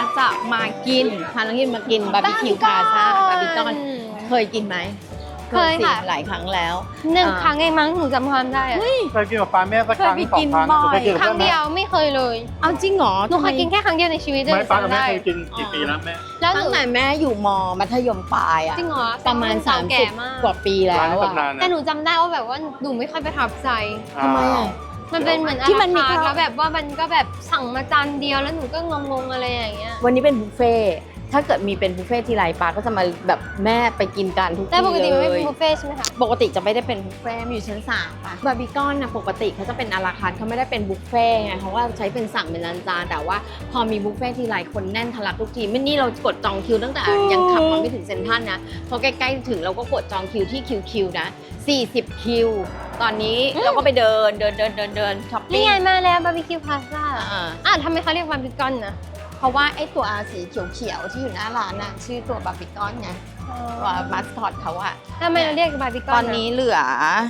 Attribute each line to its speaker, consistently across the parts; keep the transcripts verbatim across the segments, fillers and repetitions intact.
Speaker 1: จะมากินพาน้องกินมากินบาร์บีคิวพาซ่าบาร์บีคอนเคยกินไหม
Speaker 2: เคยค่ะ
Speaker 1: หลายครั้งแล้ว
Speaker 2: หนึ่งครั้งเองมั้งหนูจำความได้อะ
Speaker 3: เคยกินกับป้าแม่สักครั้ง
Speaker 1: เคยไป
Speaker 3: สอ
Speaker 1: กิ
Speaker 3: ง
Speaker 1: น
Speaker 3: ครั้ง
Speaker 1: บ่อย
Speaker 3: เคยกินกับ
Speaker 2: ครั้ง
Speaker 3: พื่อนไหม
Speaker 2: เดียวไม่เคยเลย
Speaker 1: เอาจริงเหรอ
Speaker 2: หนูเคยกินแค่ครั้งเดียวในชีวิตเลย
Speaker 3: ไม่ป้ากับ
Speaker 2: จำ
Speaker 3: แม่
Speaker 2: ได้
Speaker 3: เคยกินกี่ปีแล้วแม่
Speaker 2: แล้วห
Speaker 1: ตั้
Speaker 2: นู
Speaker 1: งแต่แม่อยู่มมัธยมปลายอะ
Speaker 2: จริงเหรอ
Speaker 1: ประมาณ
Speaker 2: เก่
Speaker 1: สาม
Speaker 2: แก่
Speaker 1: สิบ
Speaker 2: มาก
Speaker 1: กว่าปีแล้
Speaker 3: ร้าน
Speaker 1: ว
Speaker 3: นี้
Speaker 1: อะ
Speaker 3: ตำนาน
Speaker 2: แต่
Speaker 3: นะ
Speaker 2: หนูจำได้ว่าแบบว่าหนูไม่ค่อยประทับใจ
Speaker 1: ทำไมอะ
Speaker 2: มันเป็นเหมือนอา
Speaker 1: ที่มันมี
Speaker 2: ราคาร์ท
Speaker 1: ข้าว
Speaker 2: แล้วแบบว่ามันก็แบบสั่งมาจานเดียวแล้วหนูก็งงๆอะไรอย่างเงี้ย
Speaker 1: วันนี้เป็นบุฟเฟ่ต์ถ้าเกิดมีเป็นบุฟเฟ่ต์ทีไรปาก็จะมาแบบแม่ไปกินกันทุก
Speaker 2: แต่
Speaker 1: ที่
Speaker 2: ปกติมันไม่
Speaker 1: เล
Speaker 2: เป็น
Speaker 1: ย
Speaker 2: บุฟเฟ่ต์ใช่ไหมคะ
Speaker 1: ปกติจะไม่ได้เป็นบุฟเฟ่ต์มันอยู่ชั้นสามป่ะบาร์บีคอนนะปกติเขาจะเป็นอาราคาร์ทเขาไม่ได้เป็นบุฟเฟ่ต์ไงเขาว่าใช้เป็นสั่งเป็นจานๆแต่ว่าพอมีบุฟเฟ่ต์ทีไรคนแน่นทะลักทุกทีไม่นี่เรากดจองคิวตั้งแต่ยังขับมาไม่ถึงเซ็นทรัลนะพอใกล้ๆถึงเราก็กดจองคิวที่คิวคิวนะสี่สิบคิวตอนนี้เราก็ไปเดินเดินเดินเดินเดินช้อปปิ้
Speaker 2: นี่
Speaker 1: ง
Speaker 2: ไงมาแล้วบาร์บีคิวพาซ่า
Speaker 1: อ่า
Speaker 2: อ่ะทำไมเขาเรียกบาร์บีคอนนะ
Speaker 1: เพราะว่าไอ้ตัวสีเขียวๆที่อยู่หน้าร้านน่ะชื่อตัวบาร์บีคอนไงตัวมาสคอตเขาอะ
Speaker 2: ทำไมเราเรียกบาร์บีคอน
Speaker 1: ตอนนี้เหลือ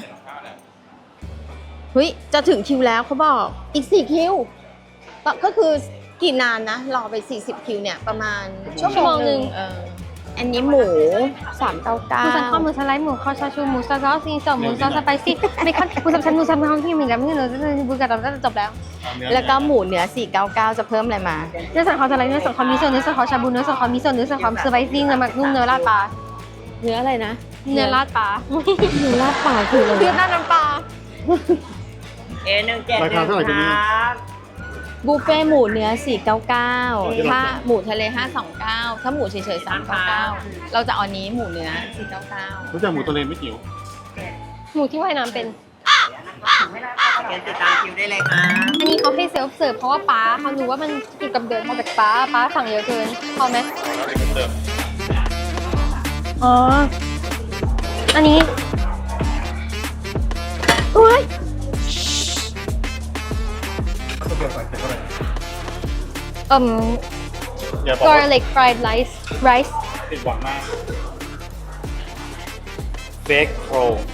Speaker 1: เฮ้ยจะถึงคิวแล้วเขาบอกอีกสี่คิวก็คือกี่นานนะ รอไปสี่สิบคิวเนี่ยประมาณชั่วโมงหนึ่งเอออันนี้หมูสามเก้าเก้า
Speaker 2: หมูสันคอหมูสไลด์หมูคอชาชูหมูซอสซอสซีสองหมูซอสสไปซี่เบคอนหมูสับชั้นหมูสับชั้นที่มีกันไม่เหลือจะบูกันเราจะจบแล้ว
Speaker 1: แล้วก็หมูเนื้อสี่เก้าเก้าจะเพิ่มอะไรมา
Speaker 2: เนื้อสันคอสไลด์เนื้อสันคอมิโซะเนื้อสันคอชาบูเนื้อสันคอมิโซะเนื้อสันคอสไปซี่เนื้อหมักนุ่มเนื้อราดปลา
Speaker 1: เนื้ออะไรนะ
Speaker 2: เนื้อราดปลา
Speaker 1: เนื้อราดปลาคืออะไร
Speaker 2: เนื้อราดน้ำปลา
Speaker 1: เอหนึ่งเจ็ด
Speaker 3: ราคาเท่าไหร่กันนี่
Speaker 1: บุฟเฟ่หมูเนื้อสี่เก้าเก้าถ้าหมูทะเลห้าสองเก้าถ้าหมูเฉยๆสามเก้าเก้าเราจะเอาอันนี้หมูเนื้อสี่เก้าเก้า
Speaker 3: รู้จักหมูทะเลไม่จิ๋ว
Speaker 2: หมูที่ว่ายน้ำเป็น
Speaker 1: เดี๋ยวติดตามคิวได้เลยค่ะ
Speaker 2: อันนี้เขาให้เซลฟ์เสิร์ฟเพราะว่าป้าเขารู้ว่ามันเกี่ยวกับเดินมาจากป้าป้าสั่งเยอะเกินพอไหม
Speaker 3: เติม
Speaker 2: อ๋อ อันนี้โอ้ย
Speaker 3: ก็เกี่ยวกับเท่าไหร่
Speaker 2: เอ่ม
Speaker 3: อย่าบอกว่า
Speaker 2: garlic fried rice rice
Speaker 3: ติดหวังมากเบคโร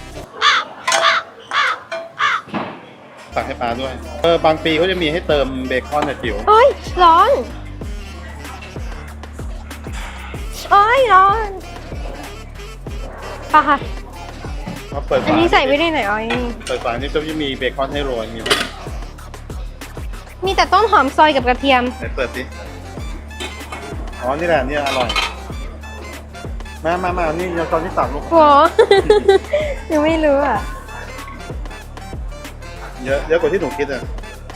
Speaker 3: สั่งให้ปลาด้วย เออบางปีเขาจะมีให้เติมเบคอนนะจิ๋ว
Speaker 2: โอ้ยร้อนโอ้ยร้อนป่ะค่ะ
Speaker 3: เขาเปิด
Speaker 2: อัน
Speaker 3: ฝา
Speaker 2: นี้ใส่ไว้ได้ไหนอ๋อย
Speaker 3: เปิดฝานี่จะมีเบคอนให้โรยมีไหม
Speaker 2: มีแต่ต้นหอมซอยกับกระเทียม
Speaker 3: ไหนเปิดสิอ๋อนี่แหละนี่อร่อยมามามานี่เราตอนที่ตักลูก
Speaker 2: โห ยังไม่รู้อ่ะ
Speaker 3: เยอะเยอะกว่าที่หนูคิดอ่ะ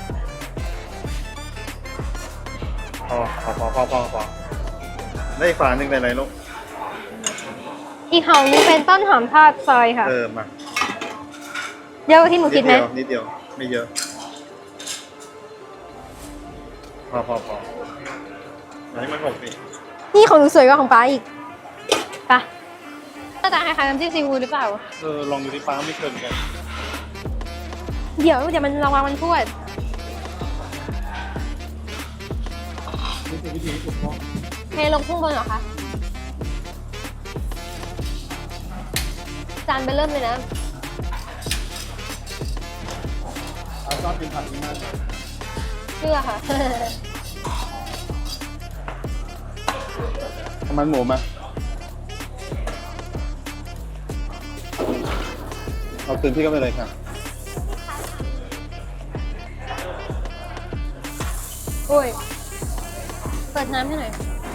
Speaker 3: พอพอพอพอพอพอได้อีกฝาหนึ่งในไหนลูก
Speaker 2: อีกหอมนึงเป็นต้นหอมทอดซอยค่ะ
Speaker 3: เออมา
Speaker 2: เยอะกว่าที่หนูคิดไหม
Speaker 3: เดียวนิดเดียวไม่เยอะพอพอพออันนี้มันหกสิ
Speaker 2: นี่ของหนูสวยกว่าของป้าอีกป่ะหน้าตาคล้ายๆน้ำจิ้มซีฟู้ดหรือเปล่า
Speaker 3: เออลองดูที่ป้าไม่เคยเหมือนกัน
Speaker 2: เดี๋ยวเดี๋ยวมันระวังมันพูด
Speaker 3: นี่คือวิธีที่ถูกต้อง
Speaker 2: เทลงข้างบนเหรอคะ จานไปเริ่มเลยนะ
Speaker 3: เอาชอบกินผักนี้มาก
Speaker 2: เชื่อค่ะ
Speaker 3: ทำมันหมูมาเอาคืนพี่ก็ไปเลยค่ะ
Speaker 2: โอ้ย เปิดน้ำให้หน่อย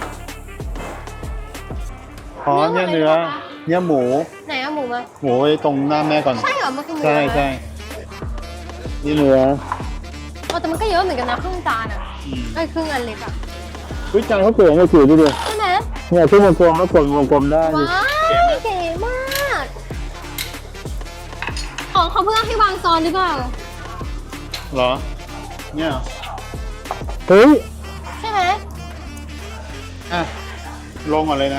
Speaker 3: อ๋อเนี่ยเนื้อเนี่ยหมู
Speaker 2: ไหนเอาหมูมา
Speaker 3: หมูไว้ตรงหน้าแม่ก่อน
Speaker 2: ใช่เหรอ มันคือหมู
Speaker 3: ใช่
Speaker 2: เหรอคะ
Speaker 3: ใช่นี่เนื้อ
Speaker 2: โอ้แต่มันก็เยอะเหมือนกันนะครึ่งจานอ่ะ
Speaker 3: อืม
Speaker 2: ไอ้ยครึ่งอันเล็กอ่ะ
Speaker 3: วิจารณ์เขาเก๋ไงจิ๋วดูดิ
Speaker 2: ใช่ไหม
Speaker 3: เนี่ยที่วงกลมแล้วกดวงกลมได้ดิ
Speaker 2: ว้าวเก๋มาก ของเขาเพื่อให้วางซ้อนหรือเปล่า
Speaker 3: เหรอ เนี่ยเฮ้ย
Speaker 2: ใช่ไหม
Speaker 3: อ่ะ ลงก่อนเลยนะ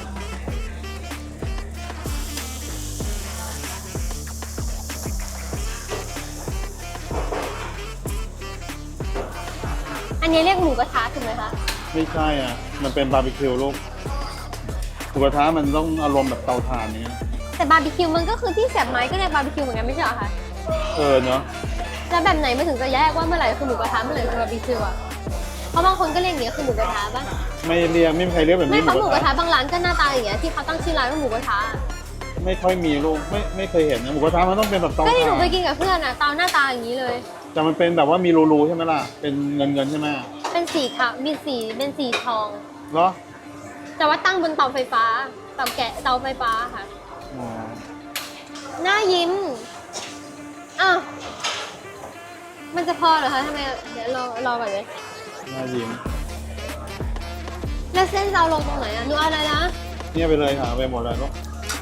Speaker 2: อันนี้เรียกหมูกระทะถูกไหมคะ
Speaker 3: ไม่ใช่อ่ะ มันเป็นบาร์บีคิวลูกหมูกระทะมันต้องอารมณ์แบบเตาถ่านนี้ย
Speaker 2: แต่บาร์บีคิวมันก็คือที่เสียบไม้ก็เรียกบาร์บีคิวเหมือนกันไม่ใช่เหรอคะ
Speaker 3: เออเนาะ
Speaker 2: แล้วแบบไหนมันถึงจะแยกว่าเมื่อไหร่คือหมูกระทะเมื่อไหร่คือบาร์บีคิวอ่ะ เพราะบางคนก็เรียกอย่างเงี้ยคือหมูกระทะป่ะ
Speaker 3: ไม่เรียกไม่มีใครเรียกแบบ
Speaker 2: ไม่
Speaker 3: นี้
Speaker 2: เขาหมูกระทะบางร้านก็หน้าตาอย่างเงี้ยที่เขาตั้งชื่อร้านว่าหมูกระทะ
Speaker 3: ไม่ค่อยมีลูกไม่ไม่เคยเห็นนะหมูกระทะมันต้องเป็นแบบเตา
Speaker 2: ก็ที่หนู
Speaker 3: ถ่าน
Speaker 2: ไปกินกับเพื่อนอ่ะเตาหน้าตาอย่างนี้เลย
Speaker 3: แต่มันเป็นแบบว่ามีรูๆใช่ไหมล่ะเป็นเงินเงินๆใช่ไหม
Speaker 2: เป็นสีขาวมีสีเป็นสีทอง
Speaker 3: เหรอ
Speaker 2: แต่ว่าตั้งบนเตาไฟฟ้าเตาแกะเตาไฟฟ้าค่ะ
Speaker 3: อ๋อ
Speaker 2: หน้ายิ้มอ้าวมันจะพอเหรอคะทำไมเดี๋ยวรอรอก่อนเลย
Speaker 3: น่ายิ้ม
Speaker 2: แล้วเส้นจะเอาลงตรงไหนอ่ะหนูเอาอะไรนะ
Speaker 3: เนี่ยไปเลยค่ะไปหมดเลยลูก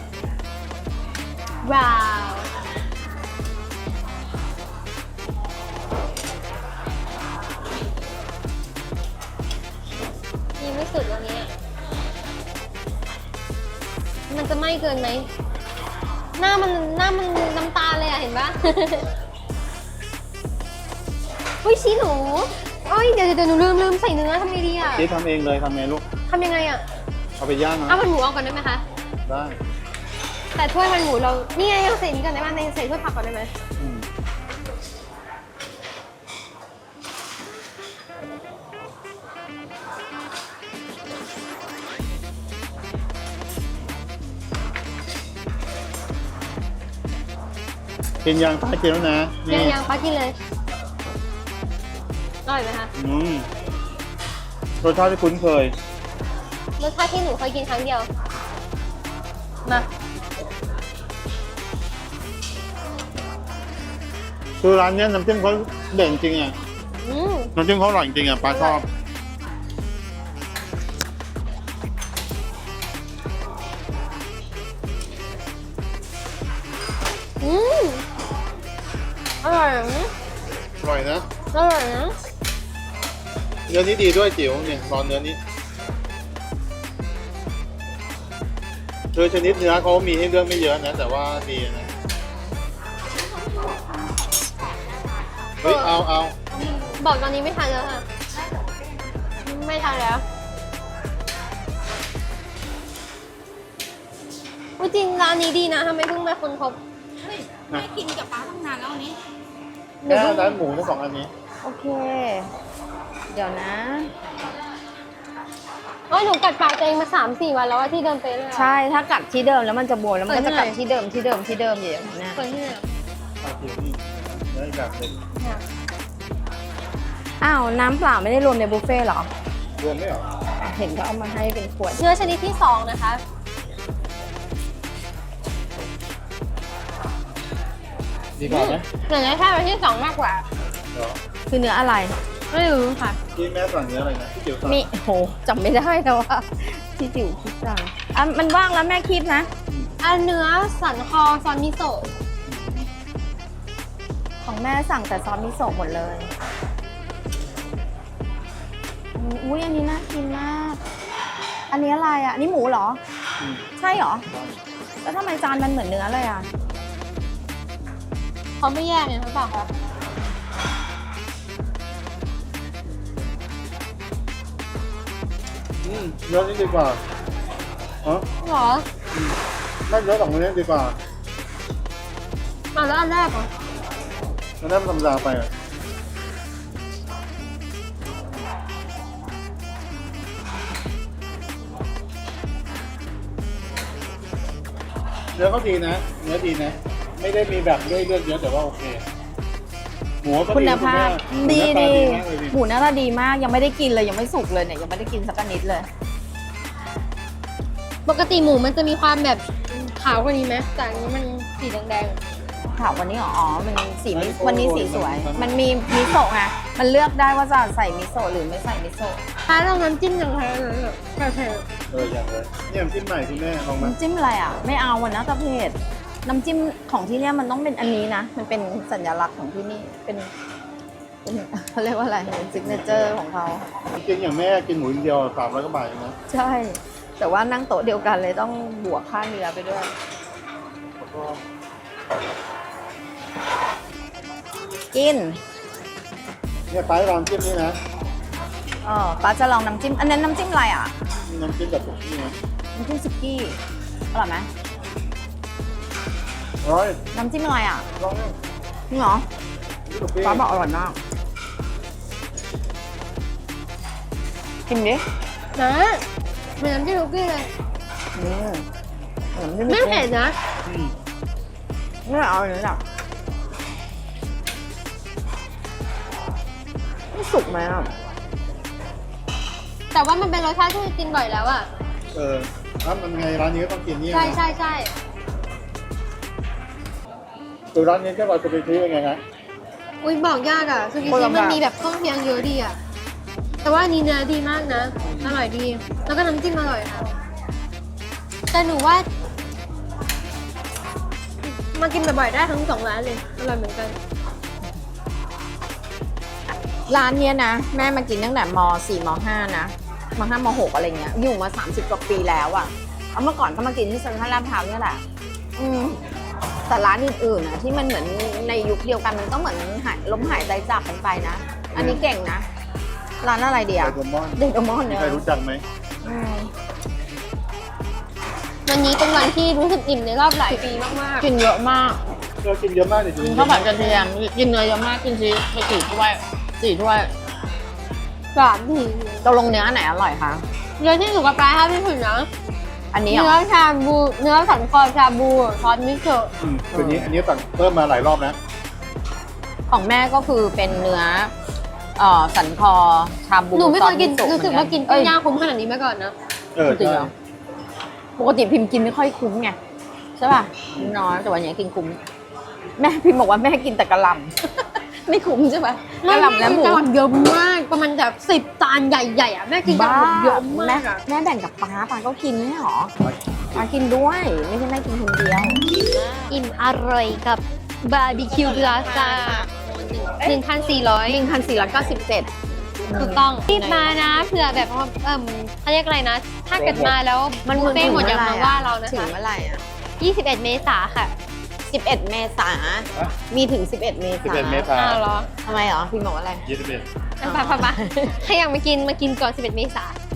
Speaker 2: ว้าวยังไม่สุดวันนี้อะมันจะไหม้เกินไหมหน้ามันหน้ามันน้ำตาเลยอ่ะเห็นปะ อุ้ยชี้หนูเอ้ยเดี๋ยวเดี๋ยวหนูลืมลืมใส่เนื้อทำไงดีอ่ะ
Speaker 3: เจ๊ทำเองเลยทำไงลูก
Speaker 2: ทำยังไงอ่ะ
Speaker 3: เอาไปย่างนะ
Speaker 2: เอามันหมูเอาก่อนได้ไหมคะ
Speaker 3: ได้
Speaker 2: แต่ถ้วยมันหมูเรา นี่ไงเอาใส่นี้ก่อนได้ไหมในใส่ถ้วยผักก่อนได้ไหม
Speaker 3: อืมกินยางป้ากินแล้วนะ
Speaker 2: ยัง
Speaker 3: นี่
Speaker 2: ยังป้ากินเลยอร่อยไหมคะ
Speaker 3: อืมรสชาติที่คุ้นเคย
Speaker 2: รสชาติที่หนูเคยกินครั้งเดียว มา
Speaker 3: คือร้านเนี้ยน้ำจิ้มเขาเด่นจริงอ่ะ
Speaker 2: อืม
Speaker 3: น้ำจิ้มเขาอร่อยจริงอ่ะป้าชอบ
Speaker 2: อืมอร่อยนะ
Speaker 3: อร่อยนะ
Speaker 2: อร่อยนะ
Speaker 3: เนื้อนี้ดีด้วยจิ๋วเนี่ยรอนเนื้อนี้คือชนิดเนื้อเขามีให้เลือกไม่เยอะนะ แต่ว่าดีนะ เฮ้ย เอาเอา
Speaker 2: บอกตอนนี้ไม่ทันแล้วค่ะ ไม่ทันแล้วอุ๊ยจริงร้านนี้ดีนะทำไมเพิ่งมาคนพบ
Speaker 3: นะ
Speaker 1: ไม่กินกับป้าตั้งนานแล้วอันนี้
Speaker 3: แค่ร้านหมูทั้งสองอันนี้
Speaker 1: โอเค เดี๋ยวนะ
Speaker 2: โอ้ยหนูกัดปากตัวเองมาสามสี่วันแล้วอะที่เดินไปเลยอะ
Speaker 1: ใช่ถ้ากัดที่เดิมแล้วมันจะบวมแล้วมันก็จะ
Speaker 2: เปิดให้หน่อย
Speaker 1: กัดที่เดิมที่เดิมที่เดิมอย่างนี้นะ
Speaker 2: เปิดที่ไหนอะ
Speaker 3: เอาจิ๋วนี่เนื้ออีกแบบหนึ่ง
Speaker 2: อยาก
Speaker 1: อ้าวน้ำเปล่าไม่ได้รวมในบุฟเฟ่ต์เหรอ
Speaker 3: รวมไม่เหรอ
Speaker 1: เห็นเขาเอามาให้เป็นขวด
Speaker 2: เนื้อชนิดที่สองนะคะ
Speaker 3: ดีกว่าไหม
Speaker 2: หนูจะชอบอันที่สองมากกว่า
Speaker 3: เหรอ
Speaker 1: คือเนื้ออะไร
Speaker 2: ไม่รู้ค่ะ
Speaker 3: ที่แม่สั่งเนื้ออะไรนะที่จิ๋วสั่ง
Speaker 1: มีโหจำไม่ได้แล้วว่าที่จิ๋วคิดจังอ่ะมันว่างแล้วแม่คีบนะ
Speaker 2: อันเนื้อสันคอซอนมิโซะ
Speaker 1: ของแม่สั่งแต่ซอสมิโซะหมดเลยอุ้ยอันนี้น่ากินมาก อันนี้อะไรอ่ะอันนี้หมูเหรอ
Speaker 3: อืม
Speaker 1: ใช่เหรอ แล้วทำไมจานมันเหมือนเนื้อเลยอ่ะ
Speaker 2: เขาไม่แยกเนี่ยหรือเปล่าคะ
Speaker 3: อืมเนื้อนี่ดีกว่าอ๋อ
Speaker 2: หรอ
Speaker 3: ไม่เนื้อสองอันนี้ดีกว่า
Speaker 2: อ่ะแล้วอันแรกเหรอ
Speaker 3: อันนั้นมันธรรมดาไปอ่ะเนื้อเขาดีนะ เนื้อดีนะ ไม่ได้มีแบบด้วยเลือดเยอะแต่ว่าโอเค หมูก็
Speaker 1: คุณภาพ
Speaker 3: ดี
Speaker 1: ดี
Speaker 3: ห
Speaker 1: ดี
Speaker 3: มูหน้าตาดีมากเลยดิ
Speaker 1: หมูหน้าตาดีมากยังไม่ได้กินเลยยังไม่สุกเลยเนี่ยยังไม่ได้กินสักนิดเลย
Speaker 2: ปกติหมูมันจะมีความแบบขาวกว่านี้ไหมแต่อันนี้มันสีแดง
Speaker 1: ถามวันนี้เหรออ๋อมันสีมิวันนี้สีสวย มันมีมิโซะไงมันเลือกได้ว่าจะใส่มิโซะหรือไม่ใส่มิโซะ
Speaker 2: ๆถ้าเราน้ำจิ้มอย่างไรเลยแบบเผ็ด
Speaker 3: เอออย่างเลยนี่น้ำจิ้มใหม่คุณแม่ลองมา
Speaker 1: น้ำจิ้มอะไรอ่ะ ไม่เอาวันนะตะเพ็ดน้ำจิ้มของที่เนี่ยมันต้องเป็นอันนี้นะ มันเป็นสัญลักษณ์ของที่นี่เป็นเป็นเขาเรียกว่าอะไรเป็นซิกเนเจอร์ของเขา
Speaker 3: กินอย่างแม่กินหมูอินเดียวสามร้อยกว่าบาทเองนะ
Speaker 1: ใช่ แต่ว่านั่งโต๊ะเดียวกันเลยต้องบวกค่าเนื้อไปด้วย
Speaker 3: แล้วก็
Speaker 1: กิน
Speaker 3: เนี่ยไปลองจิ้มนี่นะ
Speaker 1: เออป้าจะลองน้ำจิ้ม อันนั้นน้ำจิ้มอะไรอ่ะ
Speaker 3: น้ำจิ้มแบบนี้นะ
Speaker 1: น้ำจิ้มซุกี้อร่อยไหม
Speaker 3: อร่อย
Speaker 1: น้ำจิ้มอะไรอ่ะ
Speaker 3: ลองเนี่ย
Speaker 1: จริงเหรอ
Speaker 3: นี่กับเปรี้ยว
Speaker 1: ป้าบอกอร่อยมากกินดิ
Speaker 2: นะเหมือนน้ำจิ้มคุกกี้เลย
Speaker 1: อืมเหมือน
Speaker 2: ไม่เผ็ดนะ
Speaker 3: อืม
Speaker 1: ไม่เอาเลยจ้ะไม่สุกไหมอ่ะ
Speaker 2: แต่ว่ามันเป็นรสชาติที่กินบ่อยแล้วอ่ะ
Speaker 3: เออถ้ามันไงร้านนี้ก็ต้องกินนี่
Speaker 2: ใช่
Speaker 3: นะ
Speaker 2: ใช่ใช่
Speaker 3: ตัวร้านนี้แค่ว่าจะไปซื้อยังไงฮะ
Speaker 2: อุ้ยบอกยากอ่ะซูกิชิมันมีแบบเครื่องเคียงเยอะดีอ่ะ แต่ว่าอันนี้เนื้อดีมากนะ อร่อยดี แล้วก็น้ำจิ้มอร่อยค่ะ แต่หนูว่า มากินบ่อยๆได้ทั้งสองร้านเลย อร่อยเหมือนกัน
Speaker 1: ร้านเนี้ยนะ แม่มากินตั้งแต่ม สี่ม ห้านะม ห้าม หกอะไรเงี้ย อยู่มาสามสิบกว่าปีแล้วอ่ะเอาเมื่อก่อนก็มากินที่เซ็นทรัลลาดพร้าวเนี่ยแหละ อืมแต่ร้านอื่นๆนะที่มันเหมือนในยุคเดียวกันมันก็เหมือนหายล้มหายใจจากกันไปนะ อันนี้เก่งนะ ร้านอะไรเดียว
Speaker 3: ไดโดมอน
Speaker 1: เดดมอน
Speaker 3: มี
Speaker 1: เนี่ย
Speaker 3: ใครรู้จักไหม
Speaker 1: อืม
Speaker 2: วันนี้เป็นวันที่รู้สึกอิ่มในรอบหลายปีมาก
Speaker 1: กินเยอะมาก
Speaker 3: เรากินเยอะมากเลย
Speaker 1: กินข้าวผัดกระเทียมกินเนื้อเยอะมากกินชีสไปสี่ถ้วยสี่ถ้วย
Speaker 2: ๆสามที
Speaker 1: ตกลงเนื้ออันไหนอร่อยคะ
Speaker 2: เนื้อที่สุกกับปลาที่สุดนะ
Speaker 1: อันนี้เหร
Speaker 2: เนื้
Speaker 1: อ
Speaker 2: อชาบู เนื้อสันคอชาบูซอสมิโซะ
Speaker 3: อืมตัวนี้อันนี้สั่งเพิ่มมาหลายรอบนะ
Speaker 1: ของแม่ก็คือเป็นเนื้อเอ่อสันคอชาบู
Speaker 2: หนูไม่เคยกิน
Speaker 1: ซอสมิโซะ
Speaker 2: รู้สึกว่ากิน
Speaker 1: เอ้
Speaker 2: ปิ้
Speaker 1: ย
Speaker 2: งย่างคุ้มขนาดนี้มาก่อนนะ
Speaker 3: เออ
Speaker 1: จริง
Speaker 3: ใช่
Speaker 1: เหรอ ปกติพิมพ์กินไม่ค่อยคุ้มไงใช่ป่ะน้อยแต่วันนี้กินคุ้มแม่พิมพ์บอกว่าแม่กินแต่กะหล่ำ ไม่คุ้มใช่ป่ะกะหล่ำและหมู
Speaker 2: กะหล่ำเยอะมาก ประมาณแบบสิบจานใหญ่ๆอ่ะแม่กินกะหล่ำเยอะมา
Speaker 1: แม่
Speaker 2: กอ่ะ
Speaker 1: แม่แบ่งกับป้าป้าก็กินไม่ใช่หรอป้ากินด้วย ไม่ใช่แม่กินคนเดียว
Speaker 2: อิ่มอร่อยกับบาร์บีคิวพลาซ่าหนึ่งพันสี่ร้อย
Speaker 1: หนึ่งพันสี่ร้อยเก้าสิบเจ็ด
Speaker 2: ถูกต้องรีบมานะเผื่อแบบว่าเอิ่มเขาเรียกอะไรนะ ถ้าเกิดมาแล้วมันบุฟเฟ่ต์หมดอย่ามาว่าเรานะ
Speaker 1: ถึง
Speaker 2: คะ
Speaker 1: เมื่อไหร่อ่ะ
Speaker 2: ยี่สิบเอ็ดเมษาค่ะ
Speaker 1: สิบเอ็ดเมษา มีถึงสิบเอ็ดเมษา
Speaker 3: สิบเอ็ดเมษา
Speaker 2: อ้าวเหรอ
Speaker 1: ทำไมเหรอ พิมพ์บอกว่าอะไร
Speaker 3: ยี่สิบเอ็ด
Speaker 2: อ่ะไปไปไปถ้าอยากมากินมากินก่อนสิบเอ็ดเมษา